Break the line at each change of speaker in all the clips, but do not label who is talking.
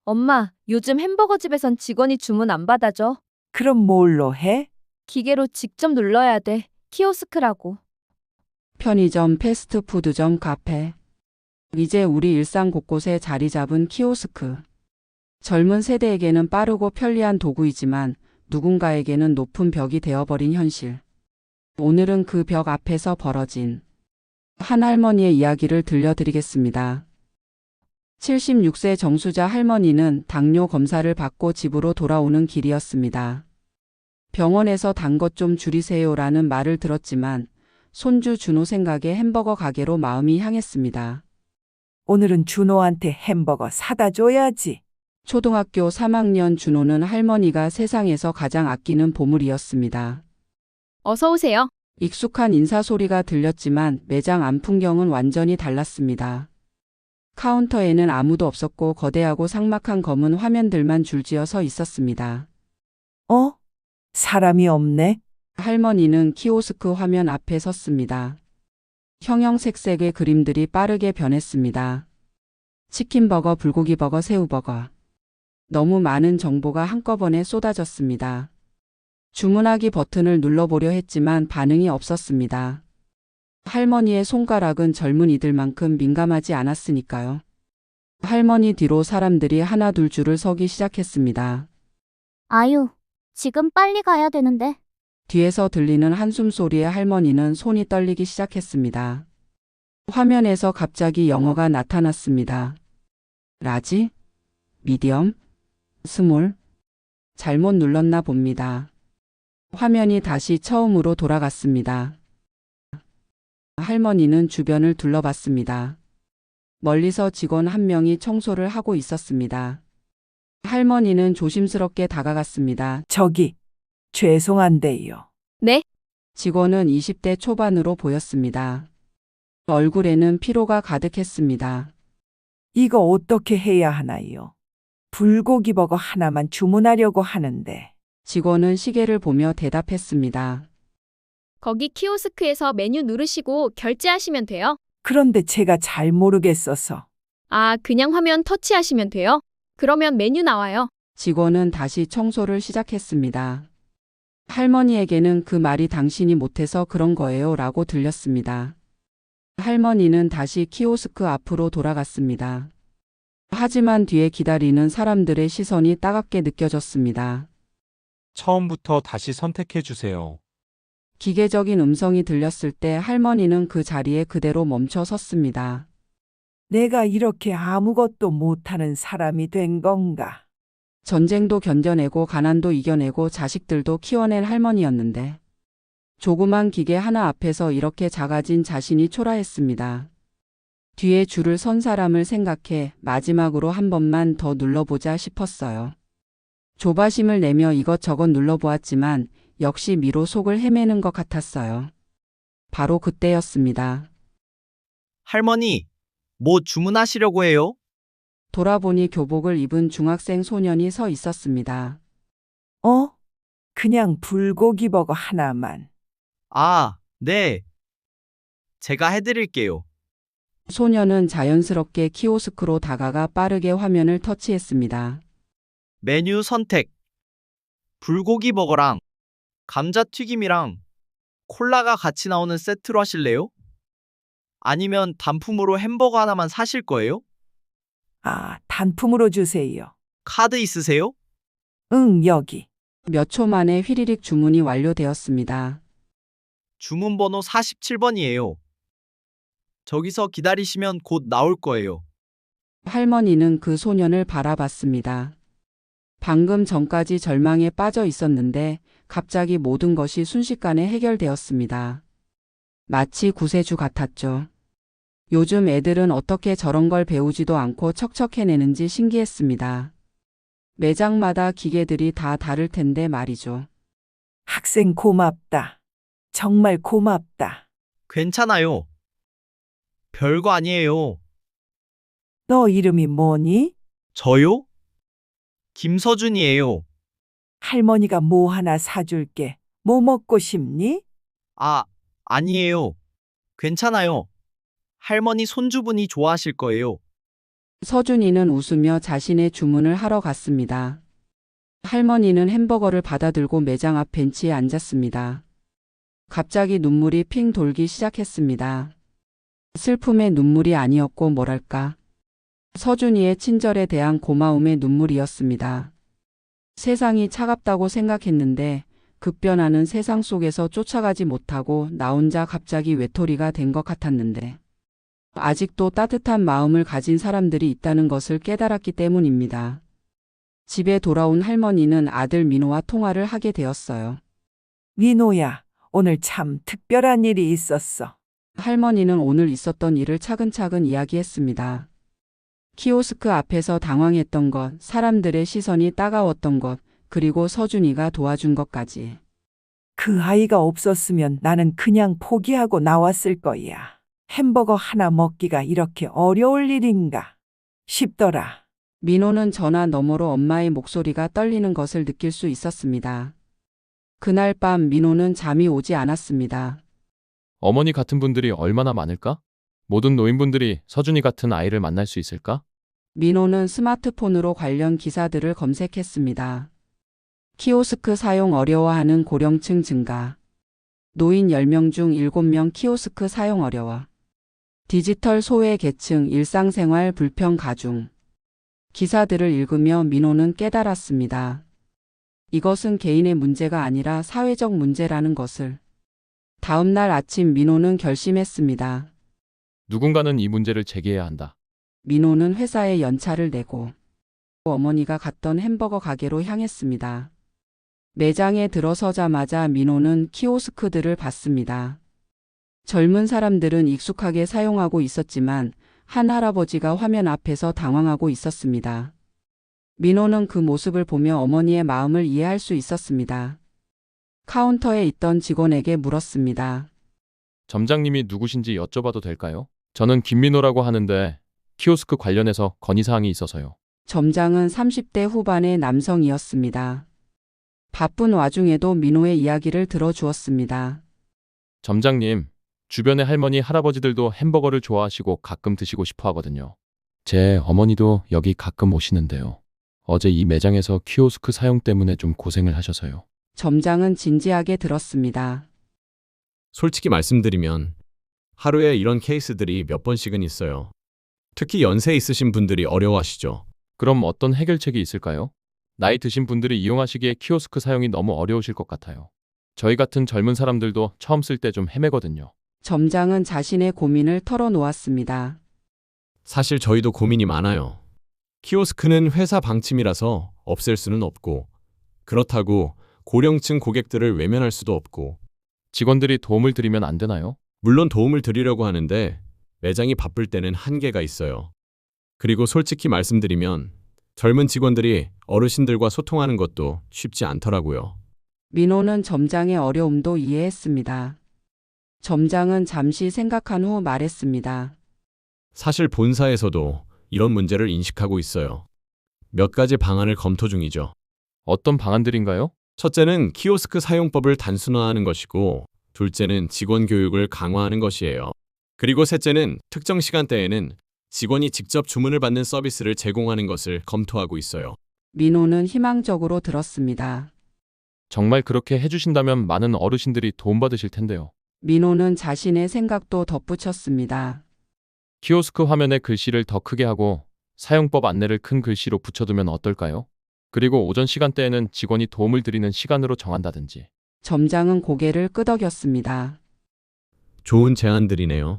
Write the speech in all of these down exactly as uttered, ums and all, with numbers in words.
엄마, 요즘 햄버거 집에선 직원이 주문 안 받아줘.
그럼 뭘로 해?
기계로 직접 눌러야 돼. 키오스크라고.
편의점, 패스트푸드점, 카페. 이제 우리 일상 곳곳에 자리 잡은 키오스크. 젊은 세대에게는 빠르고 편리한 도구이지만 누군가에게는 높은 벽이 되어버린 현실. 오늘은 그 벽 앞에서 벌어진 한 할머니의 이야기를 들려드리겠습니다. 칠십육 세 정수자 할머니는 당뇨 검사를 받고 집으로 돌아오는 길이었습니다. 병원에서 단 것 좀 줄이세요라는 말을 들었지만 손주 준호 생각에 햄버거 가게로 마음이 향했습니다.
오늘은 준호한테 햄버거 사다 줘야지.
초등학교 삼 학년 준호는 할머니가 세상에서 가장 아끼는 보물이었습니다.
어서 오세요.
익숙한 인사 소리가 들렸지만 매장 안 풍경은 완전히 달랐습니다. 카운터에는 아무도 없었고 거대하고 삭막한 검은 화면들만 줄지어 서 있었습니다.
어? 사람이 없네?
할머니는 키오스크 화면 앞에 섰습니다. 형형색색의 그림들이 빠르게 변했습니다. 치킨버거, 불고기버거, 새우버거. 너무 많은 정보가 한꺼번에 쏟아졌습니다. 주문하기 버튼을 눌러보려 했지만 반응이 없었습니다. 할머니의 손가락은 젊은이들만큼 민감하지 않았으니까요. 할머니 뒤로 사람들이 하나 둘 줄을 서기 시작했습니다.
아유, 지금 빨리 가야 되는데.
뒤에서 들리는 한숨 소리에 할머니는 손이 떨리기 시작했습니다. 화면에서 갑자기 영어가 나타났습니다. 라지? 미디엄? 스몰? 잘못 눌렀나 봅니다. 화면이 다시 처음으로 돌아갔습니다. 할머니는 주변을 둘러봤습니다. 멀리서 직원 한 명이 청소를 하고 있었습니다. 할머니는 조심스럽게 다가갔습니다.
저기, 죄송한데요.
네?
직원은 이십 대 초반으로 보였습니다. 얼굴에는 피로가 가득했습니다.
이거 어떻게 해야 하나요? 불고기 버거 하나만 주문하려고 하는데.
직원은 시계를 보며 대답했습니다.
거기 키오스크에서 메뉴 누르시고 결제하시면 돼요.
그런데 제가 잘 모르겠어서.
아, 그냥 화면 터치하시면 돼요. 그러면 메뉴 나와요.
직원은 다시 청소를 시작했습니다. 할머니에게는 그 말이 당신이 못해서 그런 거예요 라고 들렸습니다. 할머니는 다시 키오스크 앞으로 돌아갔습니다. 하지만 뒤에 기다리는 사람들의 시선이 따갑게 느껴졌습니다.
처음부터 다시 선택해 주세요.
기계적인 음성이 들렸을 때 할머니는 그 자리에 그대로 멈춰 섰습니다.
내가 이렇게 아무것도 못하는 사람이 된 건가?
전쟁도 견뎌내고 가난도 이겨내고 자식들도 키워낸 할머니였는데 조그만 기계 하나 앞에서 이렇게 작아진 자신이 초라했습니다. 뒤에 줄을 선 사람을 생각해 마지막으로 한 번만 더 눌러보자 싶었어요. 조바심을 내며 이것저것 눌러보았지만 역시 미로 속을 헤매는 것 같았어요. 바로 그때였습니다.
할머니, 뭐 주문하시려고 해요?
돌아보니 교복을 입은 중학생 소년이 서 있었습니다.
어? 그냥 불고기 버거 하나만.
아, 네. 제가 해드릴게요.
소년은 자연스럽게 키오스크로 다가가 빠르게 화면을 터치했습니다.
메뉴 선택. 불고기 버거랑 감자튀김이랑 콜라가 같이 나오는 세트로 하실래요? 아니면 단품으로 햄버거 하나만 사실 거예요?
아, 단품으로 주세요.
카드 있으세요?
응, 여기.
몇 초 만에 휘리릭 주문이 완료되었습니다.
주문번호 사십칠 번이에요. 저기서 기다리시면 곧 나올 거예요.
할머니는 그 소년을 바라봤습니다. 방금 전까지 절망에 빠져 있었는데 갑자기 모든 것이 순식간에 해결되었습니다. 마치 구세주 같았죠. 요즘 애들은 어떻게 저런 걸 배우지도 않고 척척 해내는지 신기했습니다. 매장마다 기계들이 다 다를 텐데 말이죠.
학생 고맙다. 정말 고맙다.
괜찮아요. 별거 아니에요.
너 이름이 뭐니?
저요? 김서준이에요.
할머니가 뭐 하나 사줄게. 뭐 먹고 싶니?
아, 아니에요. 괜찮아요. 할머니 손주분이 좋아하실 거예요.
서준이는 웃으며 자신의 주문을 하러 갔습니다. 할머니는 햄버거를 받아들고 매장 앞 벤치에 앉았습니다. 갑자기 눈물이 핑 돌기 시작했습니다. 슬픔의 눈물이 아니었고 뭐랄까. 서준이의 친절에 대한 고마움의 눈물이었습니다. 세상이 차갑다고 생각했는데 급변하는 세상 속에서 쫓아가지 못하고 나 혼자 갑자기 외톨이가 된 것 같았는데 아직도 따뜻한 마음을 가진 사람들이 있다는 것을 깨달았기 때문입니다. 집에 돌아온 할머니는 아들 민호와 통화를 하게 되었어요.
민호야, 오늘 참 특별한 일이 있었어.
할머니는 오늘 있었던 일을 차근차근 이야기했습니다. 키오스크 앞에서 당황했던 것, 사람들의 시선이 따가웠던 것, 그리고 서준이가 도와준 것까지.
그 아이가 없었으면 나는 그냥 포기하고 나왔을 거야. 햄버거 하나 먹기가 이렇게 어려울 일인가 싶더라.
민호는 전화 너머로 엄마의 목소리가 떨리는 것을 느낄 수 있었습니다. 그날 밤 민호는 잠이 오지 않았습니다.
어머니 같은 분들이 얼마나 많을까? 모든 노인분들이 서준이 같은 아이를 만날 수 있을까?
민호는 스마트폰으로 관련 기사들을 검색했습니다. 키오스크 사용 어려워하는 고령층 증가. 노인 열 명 중 일곱 명 키오스크 사용 어려워. 디지털 소외 계층 일상생활 불편 가중. 기사들을 읽으며 민호는 깨달았습니다. 이것은 개인의 문제가 아니라 사회적 문제라는 것을. 다음 날 아침 민호는 결심했습니다.
누군가는 이 문제를 제기해야 한다.
민호는 회사에 연차를 내고 어머니가 갔던 햄버거 가게로 향했습니다. 매장에 들어서자마자 민호는 키오스크들을 봤습니다. 젊은 사람들은 익숙하게 사용하고 있었지만 한 할아버지가 화면 앞에서 당황하고 있었습니다. 민호는 그 모습을 보며 어머니의 마음을 이해할 수 있었습니다. 카운터에 있던 직원에게 물었습니다.
점장님이 누구신지 여쭤봐도 될까요? 저는 김민호라고 하는데 키오스크 관련해서 건의사항이 있어서요.
점장은 삼십 대 후반의 남성이었습니다. 바쁜 와중에도 민호의 이야기를 들어주었습니다.
점장님, 주변의 할머니, 할아버지들도 햄버거를 좋아하시고 가끔 드시고 싶어 하거든요. 제 어머니도 여기 가끔 오시는데요. 어제 이 매장에서 키오스크 사용 때문에 좀 고생을 하셔서요.
점장은 진지하게 들었습니다.
솔직히 말씀드리면 하루에 이런 케이스들이 몇 번씩은 있어요. 특히 연세 있으신 분들이 어려워하시죠.
그럼 어떤 해결책이 있을까요? 나이 드신 분들이 이용하시기에 키오스크 사용이 너무 어려우실 것 같아요. 저희 같은 젊은 사람들도 처음 쓸 때 좀 헤매거든요.
점장은 자신의 고민을 털어놓았습니다.
사실 저희도 고민이 많아요. 키오스크는 회사 방침이라서 없앨 수는 없고, 그렇다고 고령층 고객들을 외면할 수도 없고,
직원들이 도움을 드리면 안 되나요?
물론 도움을 드리려고 하는데 매장이 바쁠 때는 한계가 있어요. 그리고 솔직히 말씀드리면 젊은 직원들이 어르신들과 소통하는 것도 쉽지 않더라고요.
민호는 점장의 어려움도 이해했습니다. 점장은 잠시 생각한 후 말했습니다.
사실 본사에서도 이런 문제를 인식하고 있어요. 몇 가지 방안을 검토 중이죠.
어떤 방안들인가요?
첫째는 키오스크 사용법을 단순화하는 것이고, 둘째는 직원 교육을 강화하는 것이에요. 그리고 셋째는 특정 시간대에는 직원이 직접 주문을 받는 서비스를 제공하는 것을 검토하고 있어요.
민호는 희망적으로 들었습니다.
정말 그렇게 해주신다면 많은 어르신들이 도움받으실 텐데요.
민호는 자신의 생각도 덧붙였습니다.
키오스크 화면에 글씨를 더 크게 하고 사용법 안내를 큰 글씨로 붙여두면 어떨까요? 그리고 오전 시간대에는 직원이 도움을 드리는 시간으로 정한다든지.
점장은 고개를 끄덕였습니다.
좋은 제안들이네요.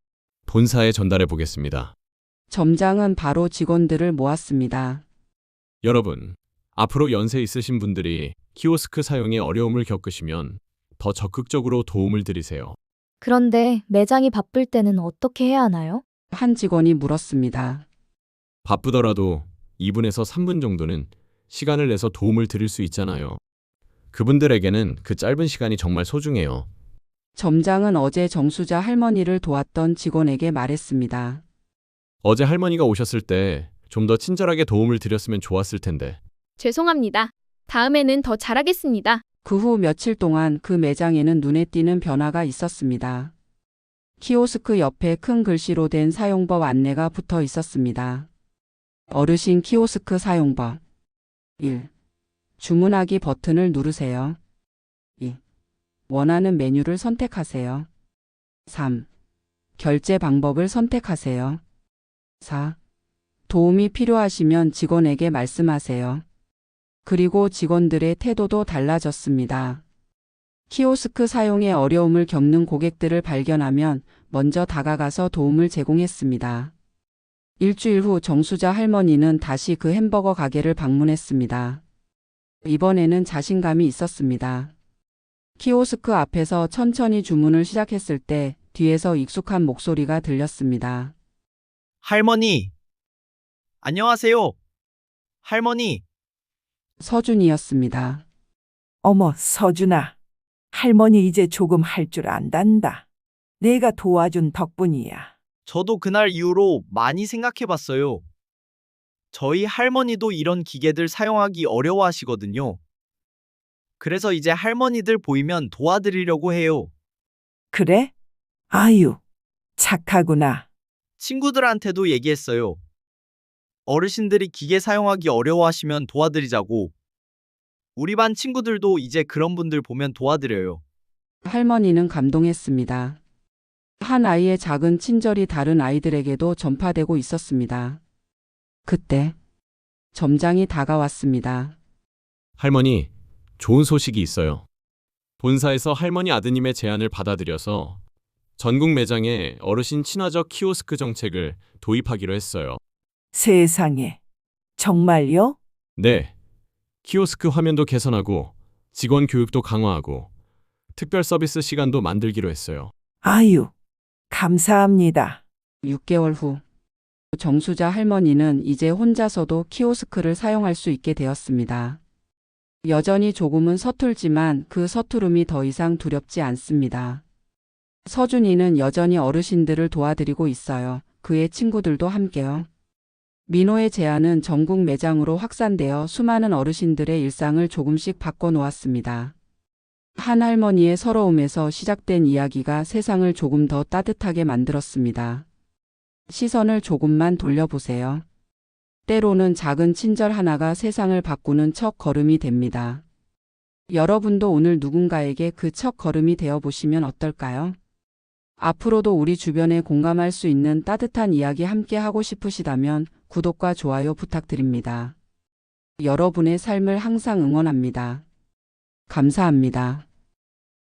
본사에 전달해 보겠습니다.
점장은 바로 직원들을 모았습니다.
여러분, 앞으로 연세 있으신 분들이 키오스크 사용에 어려움을 겪으시면 더 적극적으로 도움을 드리세요.
그런데 매장이 바쁠 때는 어떻게 해야 하나요?
한 직원이 물었습니다.
바쁘더라도 이 분에서 삼 분 정도는 시간을 내서 도움을 드릴 수 있잖아요. 그분들에게는 그 짧은 시간이 정말 소중해요.
점장은 어제 정수자 할머니를 도왔던 직원에게 말했습니다.
어제 할머니가 오셨을 때 좀 더 친절하게 도움을 드렸으면 좋았을 텐데.
죄송합니다. 다음에는 더 잘하겠습니다.
그 후 며칠 동안 그 매장에는 눈에 띄는 변화가 있었습니다. 키오스크 옆에 큰 글씨로 된 사용법 안내가 붙어 있었습니다. 어르신 키오스크 사용법. 일. 주문하기 버튼을 누르세요. 이. 원하는 메뉴를 선택하세요. 삼. 결제 방법을 선택하세요. 사. 도움이 필요하시면 직원에게 말씀하세요. 그리고 직원들의 태도도 달라졌습니다. 키오스크 사용에 어려움을 겪는 고객들을 발견하면 먼저 다가가서 도움을 제공했습니다. 일주일 후 정수자 할머니는 다시 그 햄버거 가게를 방문했습니다. 이번에는 자신감이 있었습니다. 키오스크 앞에서 천천히 주문을 시작했을 때 뒤에서 익숙한 목소리가 들렸습니다.
할머니. 안녕하세요. 할머니.
서준이었습니다.
어머, 서준아. 할머니 이제 조금 할 줄 안단다. 내가 도와준 덕분이야.
저도 그날 이후로 많이 생각해 봤어요. 저희 할머니도 이런 기계들 사용하기 어려워하시거든요. 그래서 이제 할머니들 보이면 도와드리려고 해요.
그래? 아유, 착하구나.
친구들한테도 얘기했어요. 어르신들이 기계 사용하기 어려워하시면 도와드리자고. 우리 반 친구들도 이제 그런 분들 보면 도와드려요.
할머니는 감동했습니다. 한 아이의 작은 친절이 다른 아이들에게도 전파되고 있었습니다. 그때 점장이 다가왔습니다.
할머니, 좋은 소식이 있어요. 본사에서 할머니 아드님의 제안을 받아들여서 전국 매장에 어르신 친화적 키오스크 정책을 도입하기로 했어요.
세상에. 정말요?
네. 키오스크 화면도 개선하고 직원 교육도 강화하고 특별 서비스 시간도 만들기로 했어요.
아유, 감사합니다.
육 개월 후 정수자 할머니는 이제 혼자서도 키오스크를 사용할 수 있게 되었습니다. 여전히 조금은 서툴지만 그 서투름이 더 이상 두렵지 않습니다. 서준이는 여전히 어르신들을 도와드리고 있어요. 그의 친구들도 함께요. 민호의 제안은 전국 매장으로 확산되어 수많은 어르신들의 일상을 조금씩 바꿔놓았습니다. 한 할머니의 서러움에서 시작된 이야기가 세상을 조금 더 따뜻하게 만들었습니다. 시선을 조금만 돌려보세요. 때로는 작은 친절 하나가 세상을 바꾸는 첫 걸음이 됩니다. 여러분도 오늘 누군가에게 그 첫 걸음이 되어보시면 어떨까요? 앞으로도 우리 주변에 공감할 수 있는 따뜻한 이야기 함께 하고 싶으시다면 구독과 좋아요 부탁드립니다. 여러분의 삶을 항상 응원합니다. 감사합니다.